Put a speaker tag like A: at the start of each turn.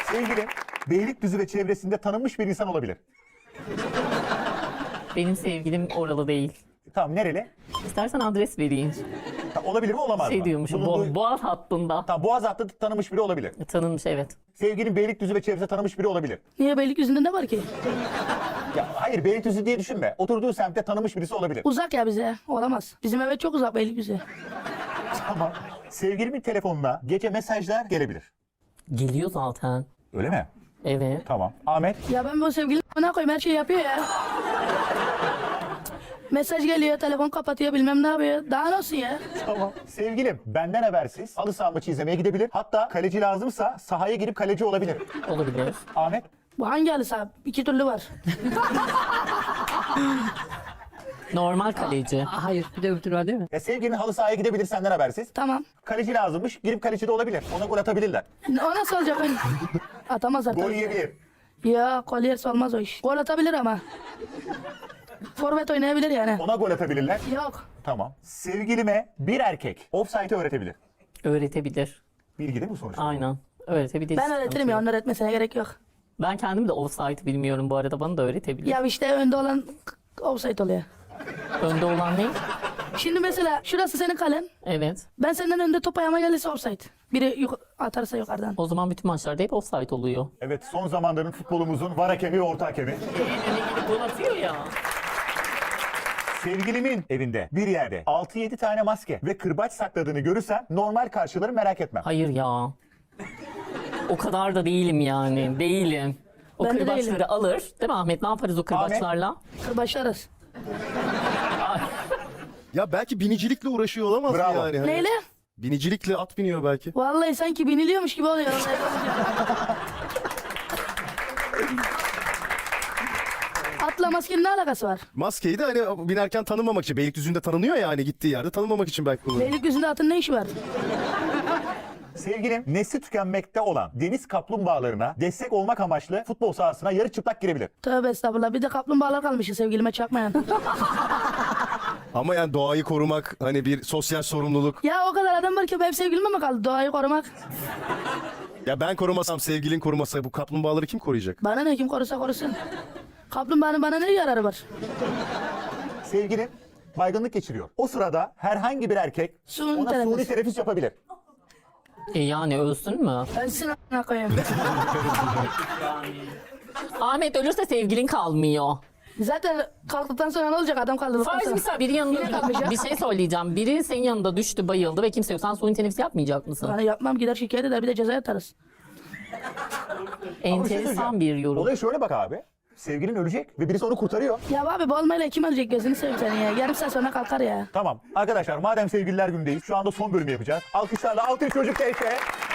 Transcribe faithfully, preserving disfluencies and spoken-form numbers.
A: Sevgilim Beylikdüzü ve çevresinde tanınmış bir insan olabilir.
B: Benim sevgilim oralı değil.
A: Tamam, nereli?
B: İstersen adres vereyim.
A: Ta- olabilir mi, olamaz
B: Şey
A: mı?
B: diyormuşum,
A: Bulunduğu-
B: Bo- Boğaz hattında.
A: Tamam, Boğaz hattı tanınmış biri olabilir.
B: Tanınmış, evet.
A: Sevgilin Beylikdüzü ve çevresinde tanınmış biri olabilir.
C: Niye Beylikdüzü'nde ne var ki?
A: Ya hayır, Beylikdüzü diye düşünme. Oturduğu semtte tanınmış birisi olabilir.
C: Uzak ya bize. Olamaz. Bizim eve çok uzak Beylikdüzü.
A: Tamam. Sevgilimin telefonuna gece mesajlar gelebilir.
B: Geliyor zaten.
A: Öyle mi?
B: Evet.
A: Tamam. Ahmet.
C: Ya ben bu sevgilim ne koyayım, her şeyi yapıyor ya. Mesaj geliyor, telefon kapatıyor, bilmem ne yapıyor. Daha ne olsun ya?
A: Tamam. Sevgilim benden habersiz halı saha maçı izlemeye gidebilir. Hatta kaleci lazımsa sahaya girip kaleci olabilir.
B: Olabilir.
A: Ahmet.
C: Bu hangi halı saha? İki türlü var.
B: Normal kaleci.
D: Hayır, bir de öbür türlü var değil mi?
A: Ya sevgilin halı sahaya gidebilir senden habersiz.
C: Tamam.
A: Kaleci lazımmış. Girip kaleci de olabilir. Ona gol atabilirler.
C: O nasıl olacak ben? Atamazlar
A: Gol
C: tabii.
A: yiyebilir.
C: Ya kolyerse olmaz o iş. Gol atabilir ama. Forvet oynayabilir yani.
A: Ona gol atabilirler.
C: Yok.
A: Tamam. Sevgilime bir erkek offside'ı öğretebilir.
B: Öğretebilir.
A: Bilgi değil mi sonuçta?
B: Aynen. Öğretebilir.
C: Ben öğretirim ya, onun öğretmesine gerek yok.
B: Ben kendim de offside bilmiyorum bu arada. Bana da öğretebilir.
C: Ya işte önde olan offside oluyor.
B: Önde olan ne?
C: Şimdi mesela şurası senin kalen.
B: Evet.
C: Ben senden önde top ayağıma gelirse offside. Biri yuk- atarsa yukarıdan.
B: O zaman bütün maçlarda hep offside oluyor.
A: Evet, son zamanların futbolumuzun var hakemi ve orta hakemi.
B: Gol atıyor ya.
A: Sevgilimin evinde bir yerde altı yedi tane maske ve kırbaç sakladığını görürsem normal karşıları merak etmem.
B: Hayır ya. O kadar da değilim yani. Değilim. O
C: Ben de
B: kırbaçları
C: değilim.
B: alır. Değil mi Ahmet? Ne yaparız o kırbaçlarla?
C: Başlarız.
E: Ya belki binicilikle uğraşıyor olamaz mı
A: Bravo.
E: yani? Hani
C: Neyle?
E: binicilikle at biniyor belki.
C: Vallahi sanki biniliyormuş gibi oluyor. Atla maskenin ne alakası var?
E: Maskeyi de hani binerken tanınmamak için. Beylikdüzü'nde tanınıyor ya, hani gittiği yerde tanınmamak için belki kullanıyor.
C: Beylikdüzü'nde atın ne işi var?
A: Sevgilim nesli tükenmekte olan deniz kaplumbağalarına destek olmak amaçlı futbol sahasına yarı çıplak girebilir.
C: Tövbe estağfurullah. Bir de kaplumbağalar kalmış sevgilime çakmayan.
E: Ama yani doğayı korumak hani bir sosyal sorumluluk.
C: Ya o kadar adam var ki benim sevgilime mi kaldı doğayı korumak?
E: Ya ben korumasam, sevgilin korumasa bu kaplumbağaları kim koruyacak?
C: Bana ne, kim korusa korusun. Kaplumbağanın bana ne yararı var?
A: Sevgilim baygınlık geçiriyor. O sırada herhangi bir erkek
C: Suni
A: ona
C: teneffüs.
A: suni teneffüs yapabilir.
B: E yani ölsün mü?
C: Ölsün a**ına koyayım.
B: Ahmet ölürse sevgilin kalmıyor.
C: Zaten kalktıktan sonra ne olacak, adam kaldırdıktan
B: Farz
C: sonra?
B: misal biri yanında
C: kalmayacak.
B: bir şey söyleyeceğim. Biri senin yanında düştü, bayıldı ve kimse yok. Sen suni teneffüs yapmayacak mısın?
C: Hani yapmam, gider şikayet eder, bir de ceza yatarız.
B: Enteresan bir yorum.
A: Olaya şöyle bak abi. Sevgilin ölecek ve birisi onu kurtarıyor.
C: Ya abi bu olmayla kim ölecek, gözünü seveyim seni ya. Yarım saat sonra kalkar ya.
A: Tamam arkadaşlar, madem sevgililer gündeyiz şu anda son bölümü yapacağız. Alkışlarla Altın Çocuk Keyfe.